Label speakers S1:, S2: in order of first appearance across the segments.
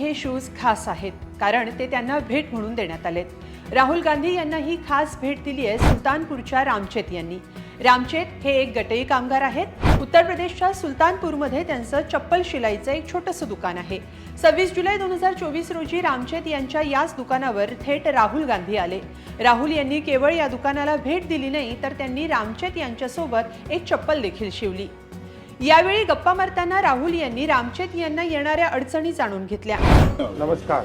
S1: हे शूज खास आहेत, कारण ते त्यांना भेट म्हणून देण्यात आलेत. राहुल गांधी यांना ही खास भेट दिली आहे सुलतानपूरच्या रामचेत यांनी. रामचेत हे एक गटई कामगार आहेत. उत्तर प्रदेशच्या सुलतानपूरमध्ये त्यांचं चप्पल शिलाईचं एक छोटंसं दुकान आहे. 26 जुलै 2024 रोजी रामचेत यांच्या याच दुकानावर थेट राहुल गांधी आले. राहुल यांनी केवळ या दुकानाला भेट दिली नाही, तर त्यांनी रामचेत यांच्यासोबत एक चप्पल देखील शिवली. यावेळी गप्पा मारताना राहुल यांनी रामचेत यांना येणाऱ्या अडचणी जाणून घेतल्या.
S2: नमस्कार,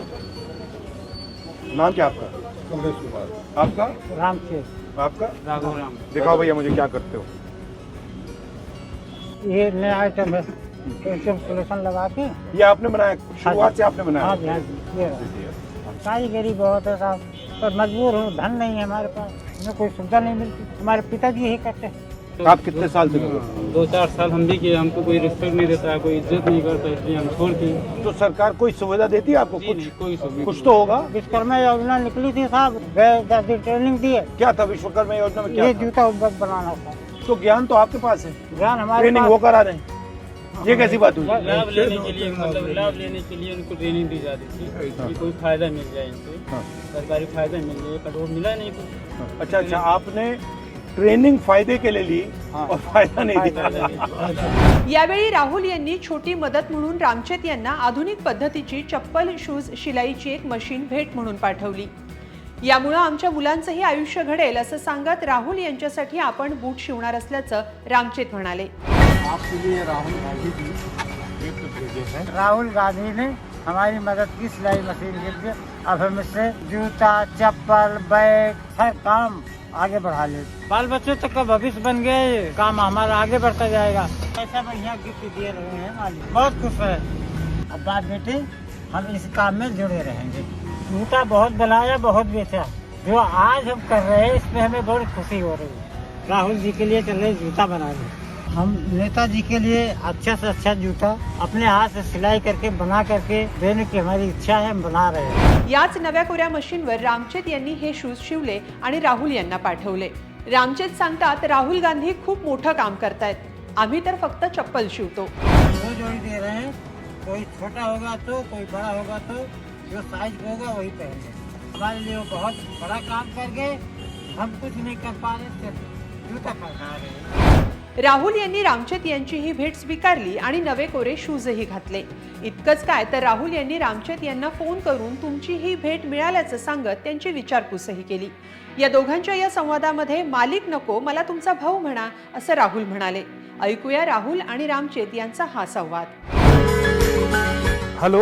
S2: नाम क्या आपका?
S3: कमलेश कुमार।
S2: आपका?
S3: रामचेत।
S2: आपका?
S3: राघव राम।
S2: दिखाओ भैया मुझे क्या करते हो।
S3: ये नया आइटम है, सोल्यूशन लगा के।
S2: ये आपने बनाया, शुरुआत से आपने बनाया?
S3: हाँ जी, हाँ जी, ये कारीगरी बहुत है साहब, पर मजबूर हूँ, धन नहीं है हमारे पास, हमें कोई सुविधा नहीं मिलती। हमारे पिताजी यही करते हैं।
S2: आप कितने साल से कर रहे हो?
S4: 2-4 साल हम भी किए, हमको कोई रिस्पेक्ट नहीं देता है, कोई इज्जत नहीं करता, इसलिए हम छोड़ दिए।
S2: तो सरकार कोई सुविधा देती है आपको? कुछ
S4: कोई सुविधा
S2: कुछ तो होगा।
S3: विश्वकर्मा योजना निकली थी साहब, गए 10 दिन ट्रेनिंग दी है।
S2: क्या था विश्वकर्मा योजना में? क्या
S3: ये
S2: था?
S3: जूता उद्योग बनाना था।
S2: तो ज्ञान तो आपके पास है,
S3: ज्ञान हमारे
S2: ट्रेनिंग
S3: पास।
S2: वो करा रहे हैं। ये कैसी बात हुई?
S4: लाभ लेने के लिए, मतलब लाभ लेने के लिए उनको ट्रेनिंग दी जाती थी कि कोई फायदा मिल जाए इनसे,
S2: हाँ।
S4: सरकारी फायदा मिल जाए, पर वो मिला नहीं कुछ।
S2: अच्छा अच्छा, आपने ट्रेनिंग फायदे के लिए ली और फायदा नहीं दिया।
S1: यावेळी राहुल यांनी छोटी मदत म्हणून रामचेत यांना आधुनिक पद्धतीची चप्पल शूज शिलाईची एक मशीन भेट म्हणून पाठवली. यामुळे आमच्या मुलांचंही आयुष्य घडेल असं सांगत राहुल यांच्यासाठी आपण बूट शिवणार असल्याचं रामचेत म्हणाले.
S3: आपके लिए राहुल गांधी जी गिफ्ट भेजे हैं। राहुल गांधी ने हमारी मदद की सिलाई मशीन के लिए। अब हम इससे जूता, चप्पल, बैग, हर काम आगे बढ़ा ले। बाल बच्चों तक का भविष्य बन गए, काम हमारा आगे बढ़ता जाएगा। ऐसा बढ़िया गिफ्ट दे रहे हैं मालिक, बहुत खुश है। अब बात बेटे, हम इस काम में जुड़े रहेंगे। जूता बहुत बनाया, बहुत बेचा, जो आज हम कर रहे हैं इसमें हमें बहुत खुशी हो रही है। राहुल जी के लिए चल रहे जूता बनाने। हम नेताजी के लिए अच्छा से अच्छा जूता अपने हाथ से सिलाई करके बना करके देने की हमारी इच्छा है, हम बना रहे हैं।
S1: याच नव्या कोऱ्या मशीनवर रामचेत यांनी हे शूज शिवले आणि राहुल यांना पाठवले. रामचेत सांगतात, राहुल गांधी खूप मोठं काम करतायत, आम्ही तर फक्त चप्पल शिवतो.
S3: दो जोड़ी दे रहे हैं, कोई छोटा होगा तो कोई बड़ा होगा तो जो साइज होगा वही पहने। हमारे लिए वो बहुत बड़ा काम कर गए, हम कुछ नहीं कर पा रहे, सिर्फ जूता पहना रहे हैं।
S1: राहुल यांनी रामचेत यांची ही भेट स्वीकारली आणि नवे कोरे शूजही घातले. इतकंच काय, तर राहुल यांनी रामचेत यांना फोन करून तुमची ही भेट मिळाल्याचं सांगत त्यांची विचारपूसही केली. या दोघांच्या या संवादामध्ये मालिक नको, मला तुमचा भाऊ म्हणा, असं राहुल म्हणाले. ऐकूया राहुल आणि रामचेत यांचा हा संवाद.
S2: हेलो,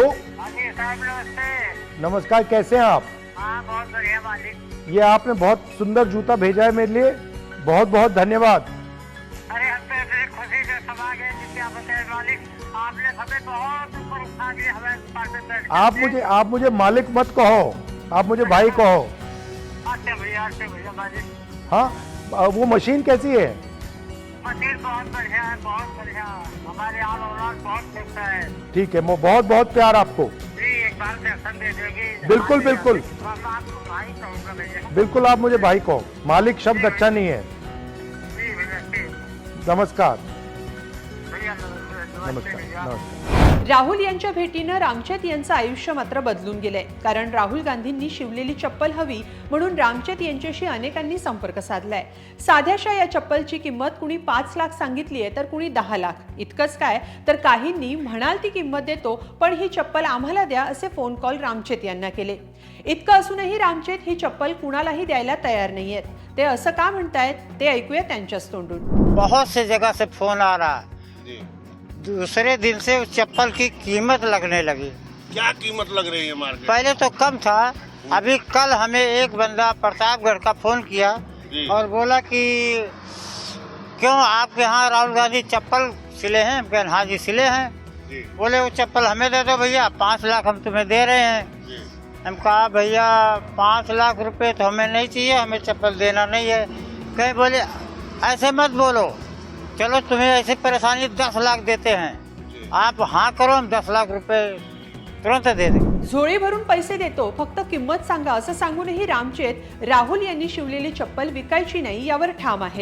S2: नमस्कार, कैसे हैं आप?
S3: हाँ, बहुत बढ़िया मालिक।
S2: ये आपने बहुत सुंदर जूता भेजा है मेरे लिए, बहुत बहुत धन्यवाद।
S3: अरे हम तो इतनी खुशी से समा गए जिसके आप बताए मालिक, आपने हमें बहुत ऊपर उठा दिया, हमें पास में बैठ के।
S2: आप मुझे मालिक मत कहो, आप मुझे भाई कहो।
S3: अच्छा भैया मालिक।
S2: हाँ, वो मशीन कैसी है?
S3: मशीन बहुत बढ़िया है, बहुत बढ़िया। हमारे आल औलाद बहुत खुश है।
S2: ठीक है, वो बहुत बहुत प्यार आपको।
S3: जी, एक बार दर्शन दे देगी।
S2: बिल्कुल बिल्कुल
S3: मैं आपको भाई कहूँगा भैया।
S2: बिल्कुल, आप मुझे भाई कहो, मालिक शब्द अच्छा नहीं है।
S3: जी भैया, ठीक।
S2: नमस्कार।
S3: भैया नमस्ते
S2: नमस्कार
S3: भैया।
S2: नमस्कार।
S1: राहुल यांच्या भेटीनं रामचेत यांचं आयुष्य मात्र बदलून गेलंय. कारण राहुल गांधींनी शिवलेली चप्पल हवी म्हणून रामचेत यांच्याशी अनेकांनी संपर्क साधलाय. साध्याशा या चप्पलची किंमत कुणी 5 लाख सांगितली आहे, तर कुणी 10 लाख. इतकंच काय, तर काहींनी म्हणाल ती किंमत देतो, पण ही चप्पल आम्हाला द्या, असे फोन कॉल रामचेत यांना केले. इतकं असूनही रामचेत ही चप्पल कुणालाही द्यायला तयार नाहीयेत. ते असं का म्हणतायत ते ऐकूया त्यांच्याच तोंडून.
S3: बहुत से जगह से फोन आ रहा है, दूसरे दिन से उस चप्पल की कीमत लगने लगी।
S5: क्या कीमत लग रही है मार्केट?
S3: पहले तो कम था, अभी कल हमें एक बंदा प्रतापगढ़ का फोन किया और बोला कि क्यों आपके यहाँ राहुल गांधी चप्पल सिले हैं? हम कहें हाँ जी सिले हैं। बोले वो चप्पल हमें दे दो भैया, 5 लाख हम तुम्हें दे रहे हैं। हम कहा भैया 5 लाख रुपए तो हमें नहीं चाहिए, हमें चप्पल देना नहीं है। कहे बोले ऐसे मत बोलो, चलो तुम्हें ऐसी परेशानी 10 लाख देते हैं, आप हाँ करो, हम 10 लाख रुपए तुरंत दे देंगे।
S1: झोळी भरून पैसे देतो, फक्त किंमत सांगा, असं सांगूनही रामचेत राहुल यांनी शिवलेली चप्पल विकायची नाही यावर ठाम आहेत.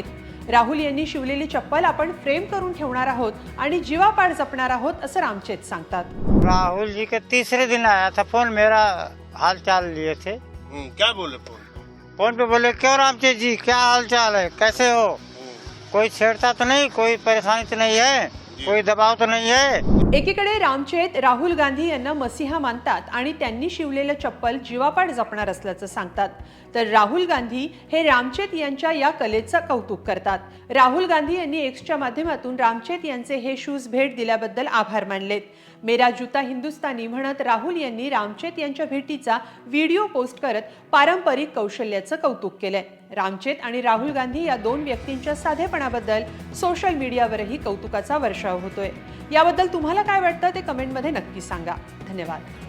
S1: राहुल यांनी शिवलेली चप्पल आपण फ्रेम करून ठेवणार आहोत आणि जीवापाड जपणार आहोत असं रामचेत सांगतात.
S3: राहुल जी के तीसरे दिन आया था फोन, मेरा हाल चाल लिए थे.
S5: क्या बोले फोन?
S3: फोन पे बोले क्यों रामचेत जी, क्या हाल चाल है, कैसे हो, कोई छेड़ता तो नहीं, कोई परेशानी तो नहीं है, कोई दबाव तो नहीं है.
S1: एकीकडे रामचेत राहुल गांधी यांना मसीहा मानतात आणि त्यांनी शिवलेलं चप्पल जीवापाड जपणार असल्याचं सांगतात, तर राहुल गांधी हे रामचेत यांच्या या कलेचं कौतुक करतात. राहुल गांधी यांनी एक्सच्या माध्यमातून रामचेत यांचे हे शूज भेट दिल्याबद्दल आभार मानलेत. मेरा जूता हिंदुस्तानी म्हणत राहुल यांनी रामचेत यांच्या भेटीचा व्हिडिओ पोस्ट करत पारंपरिक कौशल्याचं कौतुक केलंय. रामचेत आणि राहुल गांधी या दोन व्यक्तींच्या साधेपणाबद्दल सोशल मीडियावरही कौतुकाचा वर्षाव होतोय. याबद्दल तुम्हाला काय वाटतं ते कमेंटमध्ये नक्की सांगा. धन्यवाद.